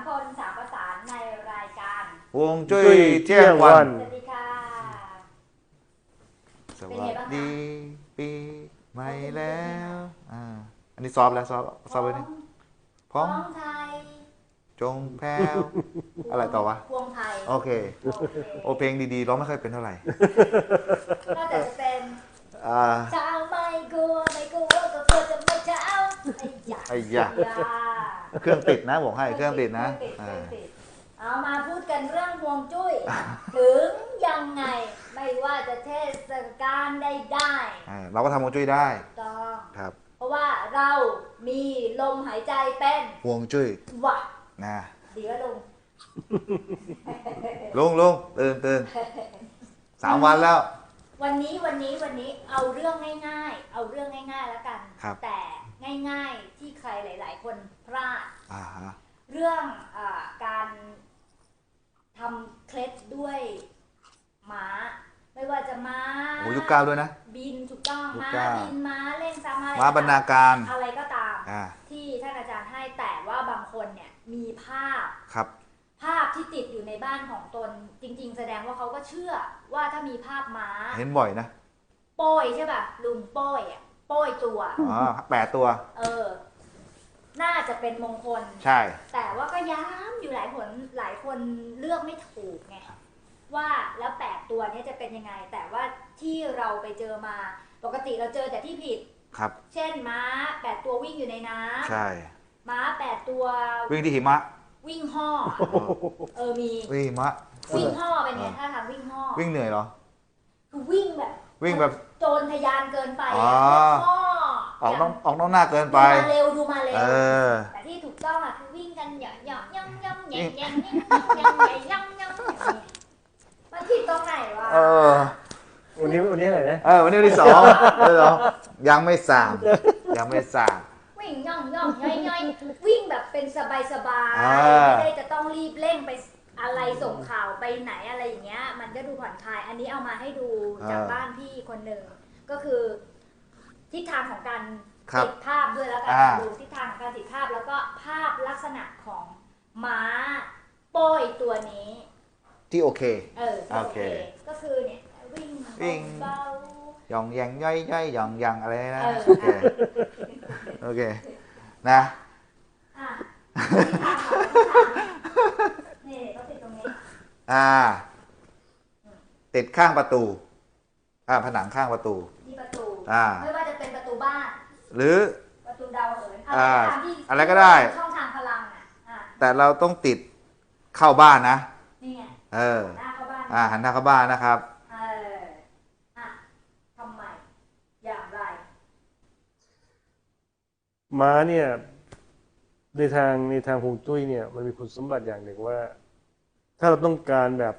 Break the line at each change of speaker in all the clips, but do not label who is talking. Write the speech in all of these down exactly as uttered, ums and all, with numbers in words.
คนสามประสานในรายการ
ฮวงจุ้ยเที่ยงวัน
สวัสดีค่ะ
สวัสดีปีใหม่แล้วอ่าอันนี้ซอฟแล้วซอฟซอฟไปนี่พ้อง
ไทย
จงแพ้วอะไรต่อวะ
พวงไทย
โอเคโอเพลงดีๆร้องไม่ค่อยเป็นเท่าไหร่
ก็จะเป็น
อ่า
เช้าไม่กลัวไม่กลัวก็กลัวจะไม่เช้าไอ้ยา
ไอ้ยาเครื่องติดนะบอกให้เครื่องติดนะ
เอามาพูดกันเรื่องฮวงจุ้ยถึงยังไงไม่ว่าจะเทศกาลใดๆ
เราก็ทำฮวงจุ้ยได้
ต้อง
ครับ
เพราะว่าเรามีลมหายใจเป็น
ฮวงจุ้ย
ว่ะ
นะ
ดีว่าลุง
ลุงลุงตื่นตื่นสามวันแล้ว
วันนี้วันนี้วันนี้เอาเรื่องง่ายๆเอาเรื่องง่ายๆแล้วกันแต่ง่ายๆที่ใครหลายๆคนพลาดเรื่องอ่าการทำเคล็ดด้วยม้าไม่ว่าจะม้า
โอ้ยุคเก้าด้วยนะ
บินถูกต้องม้าบินม้าเล่นซ้ำอะไร
ม้าบรรณาการ
อะไรก็ตามที่ท่านอาจารย์ให้แต่ว่าบางคนเนี่ยมีภาพ
ครับ
ภาพที่ติดอยู่ในบ้านของตนจริงๆแสดงว่าเขาก็เชื่อว่าถ้ามีภาพม้า
เห็นบ่อยนะ
โป้ยใช่ป่ะลุงโป้ยอ่ะโป้ยตัว
อ๋อแปดตัว
เออน่าจะเป็นมงคล
ใช่
แต่ว่าก็ย้ำอยู่หลายผลหลายคนเลือกไม่ถูกไงว่าแล้วแปดตัวนี้จะเป็นยังไงแต่ว่าที่เราไปเจอมาปกติเราเจอแต่ที่ผิด
ครับ
เช่นม้าแปดตัววิ่งอยู่ในน้ำ
ใช่
ม้าแปดตัว
วิ่งที่หิมะ
วิ่งห่อเออมี
วิ่งหิมะ
วิ่งห่อเป็นไงถ้าทางวิ่งห่อ
วิ่งเหนื่อยเหรอ
คือวิ่งแบบ
วิ่งแบบ
โจรทะยานเกินไป
อ๋อออกน้องออกน้องหน้าเกินไป
ดูมาเร็วดูมาเร็วแต่ที่ถูกต้องอ่ะคือวิ่งกันหยาะหยาะย่องย่องแยงแยงย่องย่องย่องย่องย่องมันผิดตรงไหนวะ
เออ
วันนี้วันนี้อะไรนะ
เออวันนี้วันที่สองเลยเหรอยังไม่สามยังไม่สาม
วิ่งย่องย่องย่อยย่อยวิ่งแบบเป็นสบายสบายไม่ได้จะต้องรีบเร่งไปอะไรส่งข่าวไปไหนอะไรอย่างเงี้ยมันก็ดูผ่อนคลายอันนี้เอามาให้ดูจากบ้านพี่คนหนึ่งก็คือทิศทางของการติดภาพด้วยแล้วกันดูทิศทางของการติดภาพแล้วก็ภาพลักษณะของม้าโป้ยตัวนี้
ที่โอเค
เออโอเคก็คือเนี่ยวิ่ง
วิ่ง
เบา
หย่องยังย่อยย่อยหย่องยังอะไรนะโอเคโอเคนะ
นี่ก็ติดตรงนี้
อ่าติดข้างประตูอ่าผนังข้างประตู
ที่ประตู
อ่า
ไม่ว่าจะเป็นประตูบ้าน
หรือ
ประตูดาวเหิน
อ่าอะไรก็ได้
ช่องทางพลังอ่ะ
แต่เราต้องติดเข้าบ้านนะ
นี่ไง
เออ
หน้าเข้าบ้าน
อ่าหันหน้าเข้าบ้านนะครับ
เอออ่ะทำไมอย่างไร
ม้าเนี่ยในทางในทางฮวงจุ้ยเนี่ยมันมีคุณสมบัติอย่างหนึ่งว่าถ้าเราต้องการแบบ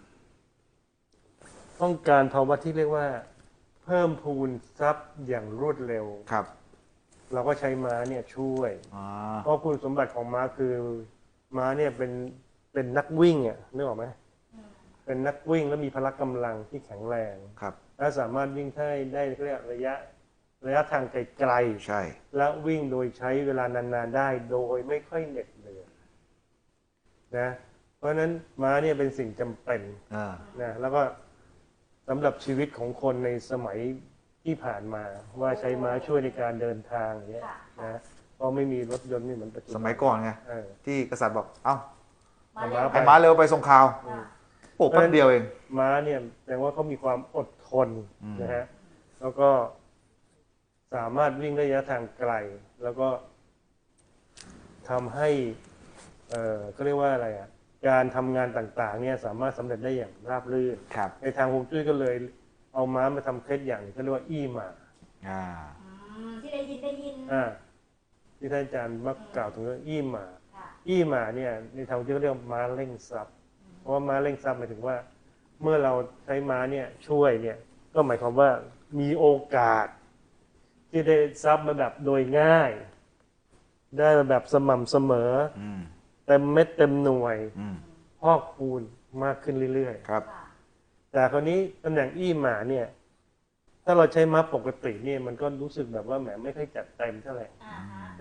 ต้องการภาวะที่เรียกว่าเพิ่มพูนทรัพย์อย่างรวดเร็ว
ครับ
เราก็ใช้ม้าเนี่ยช่วยเพราะคุณสมบัติของม้าคือม้าเนี่ยเป็นเป็นนักวิ่งอ่ะนึกออกไหมเป็นนักวิ่งแล้วมีพละกำลังที่แข็งแรง
ครับ
และสามารถวิ่งได้ได้เรียกระยะระยะทางไกล
ๆใช่
และวิ่งโดยใช้เวลานานๆได้โดยไม่ค่อยเหน็ดเหนื่อยนะเพราะฉะนั้นม้าเนี่ยเป็นสิ่งจำเป็นนะแล้วก็สำหรับชีวิตของคนในสมัยที่ผ่านมาว่าใช้ม้าช่วยในการเดินทางอย่างเงี้ยนะเพราะไม่มีรถยนต์นี่เหมือนปัจจุบัน
สมัยก่อนไงที่กษัตริย์บอกเอ้า
ให้
ม้าเร็วไปส่งข่าวโอ้แป๊บเดียวเอง
ม้าเนี่ยแสดงว่าเขามีความอดทนนะฮะแล้วก็สามารถวิ่งระยะทางไกลแล้วก็ทำให้เอ่อก็เรียกว่าอะไรอ่ะการทำงานต่างๆเนี่ยสามารถสำเร็จได้อย่างราบรื่นในทางฮวงจุ้ยก็เลยเอาม้ามาทำเคล็ดอย่างก็เรียกว่าอี้หมา
ที่ได้ยินได้ยิน
อ่าที่ท่านอาจารย์มักกล่าวถึงเรื่องอี้หมาอี้หมาเนี่ยในทางฮวงจุ้ยเรียกม้าเร่งทรัพย์เพราะว่าม้าเร่งทรัพย์หมายถึงว่าเมื่อเราใช้ม้าเนี่ยช่วยเนี่ยก็หมายความว่ามีโอกาสที่ได้ทรัพย์มาแบบโดยง่ายได้มาแบบสม่ำเสมอเต็มเม็ดเต็มหน่วยพอกพูนมากขึ้นเรื่อย
ๆครับ
แต่คราวนี้ตำแหน่งอี้หมาเนี่ยถ้าเราใช้ม้าปกติเนี่ยมันก็รู้สึกแบบว่าแหมไม่ค่อยจัดเต็มเท่าไหร่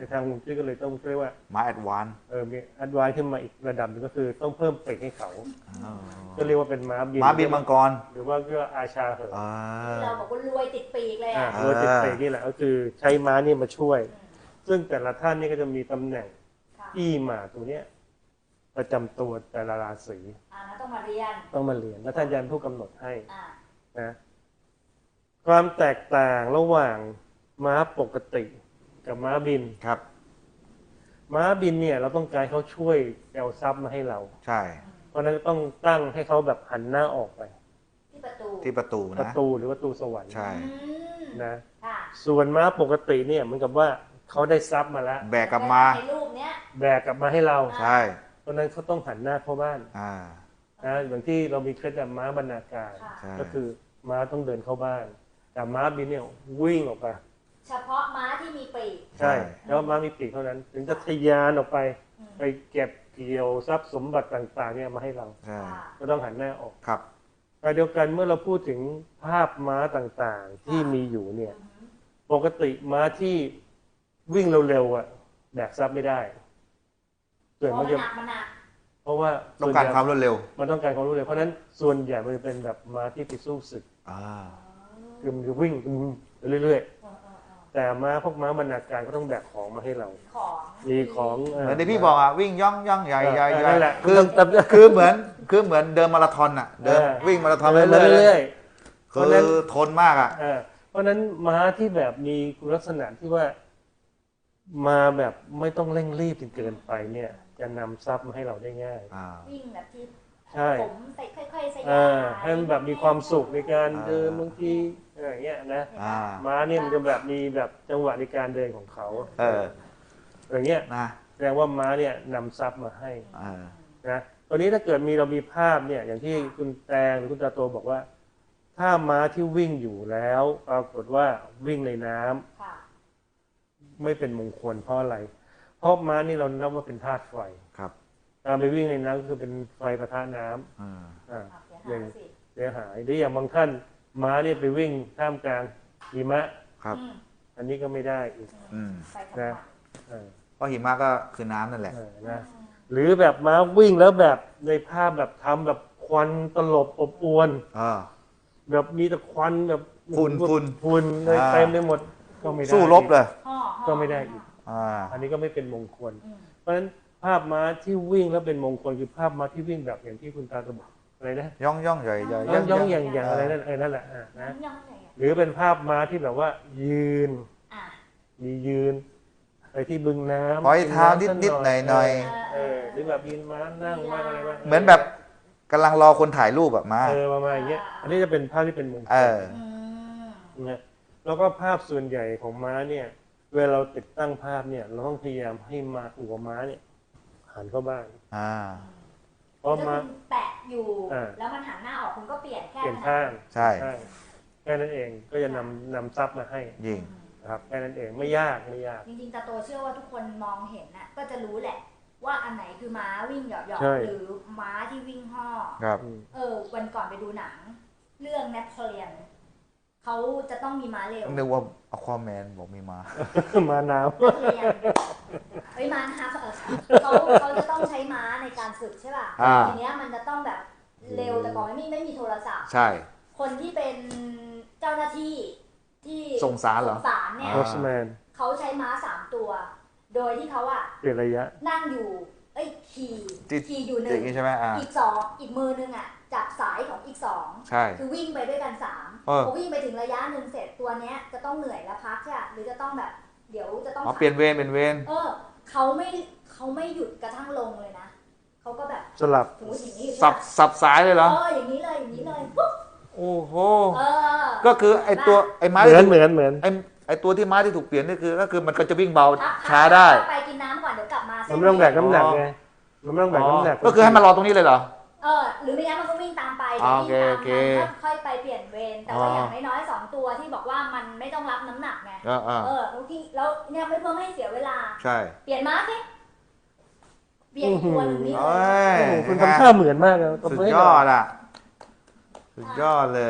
ในทางฮวงจุ้ยก็เลยต้องเรียกว่า
ม้าแอดวานซ์
เออมีอัดวานขึ้นมาอีกระดับหนึงก็คือต้องเพิ่มปีกให้เขา ก็เรียกว่าเป็นม้าบิน
ม้าบินมังกร
หรือว่าเรียกว่าอาชาเหอะ
อ่า
เราบอกว่ารวยติดปีกเลย
อ่า
อ่ะ
โดยติดปีกนี่แหละก็คือใช้ม้านี่มาช่วย ซึ่งแต่ละท่านนี่ก็จะมีตำแหน่ง
ค่ะ
อี้หมาตัวเนี้ยประจำตัวแต่ละราศี
อ่าแล้วต้องมาเรียน
ต้องมาเรียนแล้วท่านอาจารย์ผู้กำหนดให้
อ่า
นะความแตกต่างระหว่างม้าปกติกับม้าบิน
ครับ
ม้าบินเนี่ยเราต้องการเขาช่วยเอาทรัพย์มาให้เรา
ใช่
เพราะฉะนั้นต้องตั้งให้เขาแบบหันหน้าออกไป
ที่ประตู
ที่ประตู
ประ
นะ
ตูหรือประตูสวรรค์
ใช่
อืม
นะ
ค่ะ
ส่วนม้าปกติเนี่ยเหมือนกับว่าเขาได้ทรัพย์มาแล้ว
แบกกลับมา
ในรูปเนี้ย
แบกกลับมาให้เรา
ใช่
เพราะฉะนั้นเขาต้องหันหน้าเข้าบ้าน
อ่า
นะอย่างที่เรามีเคล็ดลับม้าบรรณาการ
ค่ะ
ใช่
ก็คือม้าต้องเดินเข้าบ้าน แต่ม้าบินเนี่ยวิ่งออกไป
เฉพาะม้าที่มีปีก
ใช่ แล้วม้ามีปีกเท่านั้น ถึงจะทะยานออกไป
อืม
ไปเก็บเกี่ยวทรัพย์สมบัติต่างๆเนี่ยมาให้เรา
ใช่
ค่ะ
ก็ต้องหันหน้าออก
ครับ
แต่เดียวกันเมื่อเราพูดถึงภาพม้าต่างๆ ที่มีอยู่เนี่ย
อืม
ปกติม้าที่วิ่งเร็วๆอ่ะแบกทรัพย์ไม่ได้ส่วน
เพ
มั
ราะ
น
มัน
จะ
หนักมันหนัก
เพราะว่า
ต้องการความรวดเร็ว
มันต้องการความรู้เร็วเพราะฉะนั้นส่วนใหญ่มันจะเป็นแบบม้าที่ไปสู้ศึก
อ่า
คือมันจะวิ่งเรื่อย
เออเออเออ
ๆ แต่ม้าพวกม้าบรรณาการก็ต้องแบกของมาให้เรา
ของ
มีของ
เหมือนที่พี่บอกอ่ะวิ่งย่องย่องใหญ่ใหญ่ใหญ่
นั่นแหละ
คือ
ต้อง
คือเหมือนคือเหมือนเดินมาราธอนอ่ะ เดิน
เออ
วิ่งมาราธอน
เดินมา
เรื่
เรื่
อ
อย ย
ๆคือทนมากอ่ะ
ๆเออเพราะฉะนั้นม้าที่แบบมีคุณลักษณะที่ว่ามาแบบไม่ต้องเร่งรีบจนเกินไปเนี่ย จะนำทรัพย์มาให้เราได้ง่าย
อ่า
วิ่งแบบที่
ใช่
ผมใส่ค่อยๆใส่
เออให้มันแบบมีความสุขในการเดิน
อ่า
บางทีอะไรอย่างเงี้ยนะ
อ่า
ม้าเนี่ยมันจะแบบมีแบบจังหวะในการเดินของเขา
เออ
อย่างเงี้ย
นะ
แสดงว่าม้าเนี่ยนำทรัพย์มาให้
เออ
นะตอนนี้ถ้าเกิดมีเรามีภาพเนี่ยอย่างที่คุณแตงหรือคุณตาโตบอกว่า ถ้าม้าที่วิ่งอยู่แล้วปรากฏว่าวิ่งในน้ำ
ค่ะ
ไม่เป็นมงคลเพราะอะไร เพราะม้านี่เรานับว่าเป็นธาตุไฟ
ครับ
การไปวิ่งในน้ำก็คือเป็นไฟประทะน้ำ
อ่า
อ่า
อ่ะเสียหายสิ
เสียหายหรืออย่างบางท่านม้าเนี่ยไปวิ่งท่ามกลางหิมะ
ครับ
อืม
อันนี้ก็ไม่ได้อีก
อืม
ไปทำไม
นะ เออ
เพราะหิมะก็คือน้ำนั่นแหละ
เออนะหรือแบบม้าวิ่งแล้วแบบในภาพแบบทำแบบควันตลบอบอวน
อ่า
แบบมีแต่ควันแบบ
ฝุ่นฝุ่น
ฝุ่นเลย
อ่า
เต็มไปหมดก็ไม่ได้
สู้รบเลย
ห่อห่อ
ก็ไม่ได้อีก
อ่า
อันนี้ก็ไม่เป็นมงคล
อืม
เพราะฉะนั้นภาพม้าที่วิ่งแล้วเป็นมงคลคือภาพม้าที่วิ่งแบบอย่างที่คุณตาตะบอกอะไรนะ
ย่องย่องใหญ่ใหญ่
ย่องย่องอย่างอย่างอะไรนั่นเออนั่นแหละอ่านะ
ย่องๆเลยอ่ะ
หรือเป็นภาพม้าที่แบบว่ายืน
อ่ะ
มียืนไปที่บึงน้ำ
ปล่อยเท้านิดนิดหน่อยหน่อย
เออหรือแบบยืนม้านั่งม้าอะไรบ้าง
เหมือนแบบกำลังรอคนถ่ายรูปแบบมา
เออประมาณอย่างเงี้ยอันนี้จะเป็นภาพที่เป็นมงค
เอ
ล
อ
อืม
นะแล้วก็ภาพส่วนใหญ่ของม้าเนี่ย เวลาเราติดตั้งภาพเนี่ย เราต้องพยายามให้มาหัวม้าเนี่ยหันเข้าบ้าน
อ่า
เพราะ
ถ้า
ม้า
คุณแปะอยู่
อ่า
แล้วมันหันหน้าออกคุณก็เปลี่ยนแค่
เปลี่ยน
นั้น
ข้าง
ใช่
แค่นั้นเองก็จะนำนำทรัพย์มาให้
ยิง
นะครับแค่นั้นเองไม่ยากไม่ยาก
จริงๆตาโตเชื่อว่าทุกคนมองเห็นน่ะก็จะรู้แหละ ว่าอันไหนคือม้าวิ่งเหยาะ
ใช่
ๆหรือม้าที่วิ่งห่อ
ครับ
อืม
เออวันก่อนไปดูหนัง เรื่องแนปเปลียนเขาจะต้องมีม้าเร็ว
นึกว่าอควาแมนบอกมีมา
มาน้
แนปเปลียนเฮ้ยม้านะคะเออเขาเขาจะต้องใช้ม้าในการฝึกใช่ป่ะ
อ่า
ทีเนี้ยมันจะต้องแบบเร็วแต่ก่อนไม่มีไม่มีโทรศัพท์
ใช่
คนที่เป็นเจ้าหน้าที่ที่
ส่งสารเหรอ
ส่งสารเนี่ย
ำ
อ่า
โรสแมน
เขาใช้ม้าสามตัว โดยที่เขาอะ
เปลี่ยนระยะ
นั่งอยู่ เอ้ยขี่
ที่
ขี่อยู่ห
อ
นึ่ง
ย่างนี้ใช่ไหมอ่า
อีกสองอีกมือนึงอะจับสายของอีกสอง
ใช่
คือวิ่งไปด้วยกันสาม
เออ
พอวิ่งไปถึงระยะหนึ่งเสร็จตัวเนี้ยจะต้องเหนื่อยแล้วพักใช่ปะหรือจะต้องแบบ เดี๋ยวจะต้อง
อ๋อเปลี่ยนเวรเป็นเวร
เออเขาไม่เขาไม่หยุดกระทั่งลงเลยนะเขาก็แบบ
สลับ
สมมติอย่างนี้อยู่
สับ
ใช่ปะ
สับสายเลยเหรอ
เอออย่างนี้เลยอย่างนี้เลยปุ๊บ
โอ้โห
เออ
ก็คือไอตัวไอม้า
เหมื
ที่
อน
ถูก
เหมือนเหมือน
ไอไอตัวที่ม้าที่ถูกเปลี่ยนนี่คือก็คือมันก็จะวิ่งเบา
พัก
ช้าได้
พักไปกินน้ำก่อนเดี๋ยวกลับมา
มันไม่ต้องแบกน้ำหนักไงมันไม่ต้องแบกน้ำหนัก
ก็คือให้มารอตรงนี้เลยเหรอ
เออหรือไม่งั้นมันก็วิ่งตามไป
อ่า
เดี๋ยววิ่งตาม
โอเค
มันก็ค่อยไปเปลี่ยนเวรแต่ว่า
อ๋อ
อ
อ
ย่างน้อยๆสองตัวที่บอกว่ามันไม่ต้องรับน้ำหนักไง
อ่าอ่า
เออแล้วที่แล้วเนี่ยไม่เพื่อไม่ให้เสียเวลา
ใช่
เปลี่ยนม้าสิเปลี่ยนอีกตัวหนึ่งนี่เล
โอ้
ย
ย
โอ้โหคุณทำท่าเหมือนมากนะตบ
สุด
มืให้
ย
หน่
อดอ่ะ สุดยอดเลย
นั่นแหละ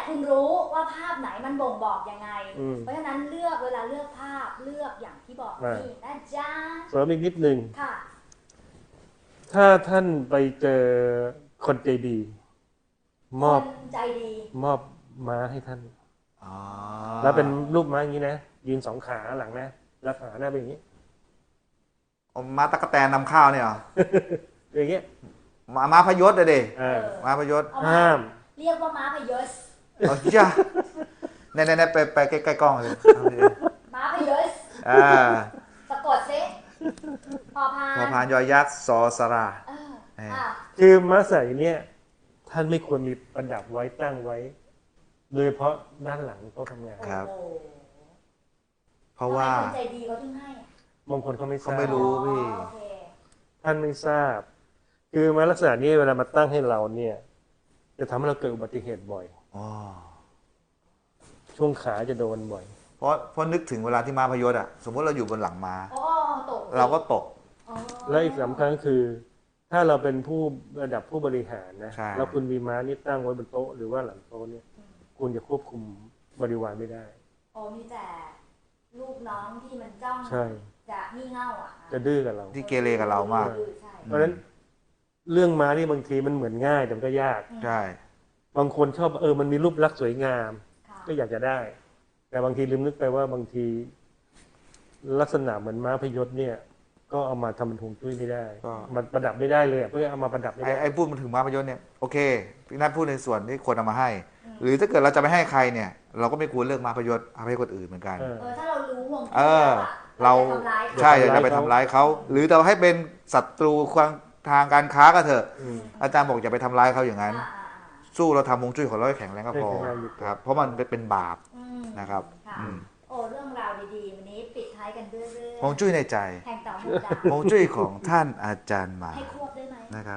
คุณรู้ว่าภาพไหนมันบ่งบอกยังไง
อืม
เพราะฉะนั้นเลือกเวลาเลือกภาพเลือกอย่างที่บอก
อ่า
นี่นะจ๊ะ
เสริมอีกนิดนึง
ค่ะ
ถ้าท่านไปเจอคนใจดี มอบ
คนใจดี
มอบม้าให้ท่าน
อ๋อ
แล้วเป็นรูปม้าอย่างนี้นะยืนสองขาหลังนะแล้วขาหน้าเป็นอย่างนี้
เอาม้าตะกแตนนำข้าวเนี่ยเหรอ
อย่างเงี้ย
ม้าม้าพยศเลยดิ
อ่า
ม้าพยศ
เอามา
ห้าม
เรียกว่าม้าพยศ
เอาจ้าในในในไปไปใกล้ๆกล้องเลยเอาดิ
ม้าพยศ
อ่า
สะกดซิพอพาน
พอพานยอยักษ์ซอสระ
เออ
เออ
อ่ะ
คือม้าใส่เนี่ยท่านไม่ควรมีประดับไว้ตั้งไว้ โดยเฉพาะด้านหลังโต๊ะทำงาน
ครับ
โอ้โห
เพราะว่า
ทำไมคนใจดีเขาถึงให้อ่ะ
บางคนเขาไม่ท
เขา
ราบ
ไม่รู้ พี่
อ๋อโอเค
ท่านไม่ทราบ คือม้าลักษณะนี้เวลามาตั้งให้เราเนี่ย จะทำให้เราเกิดอุบัติเหตุบ่อย
อ๋อ
ช่วงขาจะโดนบ่อย
เพราะเพราะนึกถึงเวลาที่ม้าพยศอ่ะ สมมติเราอยู่บนหลังม้า
อ๋อตก
เราก็ตก
อ๋อ
และอีกสำคัญก็คือ ถ้าเราเป็นผู้ระดับผู้บริหารนะ
ใช่
แล้วคุณมีม้านี่ตั้งไว้บนโต๊ะหรือว่าหลังโต๊ะเนี่ย คุณจะควบคุมบริวารไม่ได้
อ๋อมีแต่ลูกน้องที่มันจ้อง
ใช่
จะงี่เง่าอ่ะ
จะดื้อกับเรา
ที่เกเรกับเรามาก
ดื้อใช่
เพราะฉะนั้นเรื่องม้านี่บางทีมันเหมือนง่ายแต่มันก็ยาก
ใช่
บางคนชอบเออมันมีรูปลักษณ์สวยงาม
ค่ะ
ก็อยากจะได้ แต่บางทีลืมนึกไปว่าบางที ลักษณะเหมือนม้าพยศเนี่ย ก็เอามาทำเป็นฮวงจุ้ยไม่ได้ มันประดับไม่ได้เลยอะเพื่อเอามาประดับไม่
ไอ้
ได้
ไอ้พูดมาถึงม้าพยศเนี่ยโอเคพี่นัทพูดในส่วนที่คนเอามาให้ หรือถ้าเกิดเราจะไม่ให้ใครเนี่ย เราก็ไม่ควรเลือกม้าพยศเอาให้คนอื่นเหมือนกัน
เออ
เออถ้าเรารู้ห่วงจุ้ย
เออ
แล้วอะ
เรา
จะทำร้ายเขา
ใช่อย่าจะไปทำร้ายเขาหรือเราให้เป็นศัตรูความทางการค้าก็เถอะ
อืม
อาจารย์บอกอย่าไปทำร้ายเขาอย่างนั้น
อ่าอ่าอ่า
สู้เราทำฮวงจุ้ยของเราให้แข็งแรงก็พอ
ให้แข็งแรงอยู่
ครับ เพราะมันเป็นบาป
อืม
นะครับ
ค่ะ
อืม
โอ้เรื่องราวดีๆวันนี้ปิดท้ายกันด้วยเรื่อง
ฮวงจุ้ยในใจ
แห่งเต่าหูดา
ฮวงจุ้ยของท่านอาจารย์หมา
ให้ควบได้ไหม
นะครับ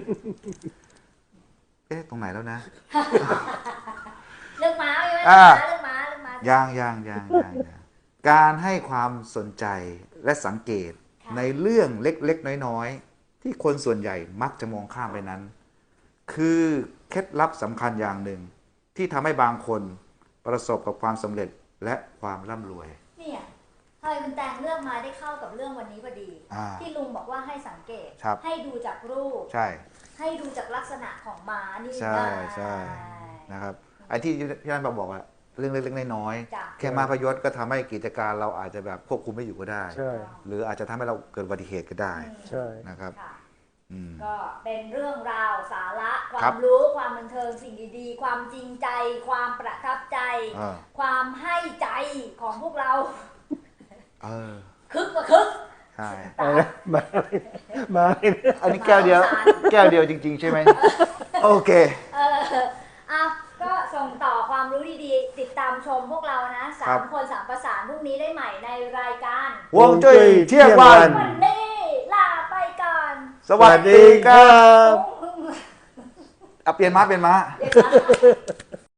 เอ๊ะตรงไหนแล้วนะ
เรื่องม้าใช่ไหม
อ่า
เรื่องม้าเรื่องม้า
ย่างย่างย่างย่างย่างการให้ความสนใจและสังเกต
ค่ะ
ในเรื่องเล็กๆ น้อยๆ ที่คนส่วนใหญ่มักจะมองข้ามไปนั้น คือเคล็ดลับสำคัญอย่างหนึ่ง ที่ทำให้บางคนประสบกับความสำเร็จและความร่ำรวย
เนี่ยทำไมคุณแตงเลือกมาได้เข้ากับเรื่องวันนี้พอดี
อ่า
ที่ลุงบอกว่าให้สังเกต
ครับ
ให้ดูจากรูป
ใช่
ให้ดูจากลักษณะของม้านี่
ใช่
ได้
ใช่นะครับไอ้ที่ที่ท่านบอกว่าเรื่องเล็กๆน้อย
จ้ะ
ๆแค่มาพยศก็ทำให้กิจการเราอาจจะแบบควบคุมไม่อยู่ก็ได้
ใช่
หรืออาจจะทำให้เราเกิดอุบัติเหตุก็ได้
อืม
ใช่
นะครับ
ค่ะ
อืม
ก็เป็นเรื่องราวสาระค
ครั
วาม
บ
รู้ความบันเทิงสิ่งดีๆ ความจริงใจ ความประทับใจ
เออ
ความให้ใจของพวกเรา
เออ
คึกกว่าคึก
ใช่
เอาละมาเลยมาเลย
อันนี้แก้วเดียว
มาสาร
แก้วเดียวจริง ๆ ใช่ไหม โอเค
เอออ่ะก็ส่งต่อความรู้ดีๆ ติดตามชมพวกเรานะสา
ครั
ม
บ
คนสามประสานพรุ่งนี้ได้ใหม่ในรายการ
ฮวงจุ้ยเที่ยงวัน
วันนี้ลาไปก่อน
สวัสดีครับ
อืม
เอาเปลี่ยนม้าเปลี่ยนม้า
เดี๋ยวนะ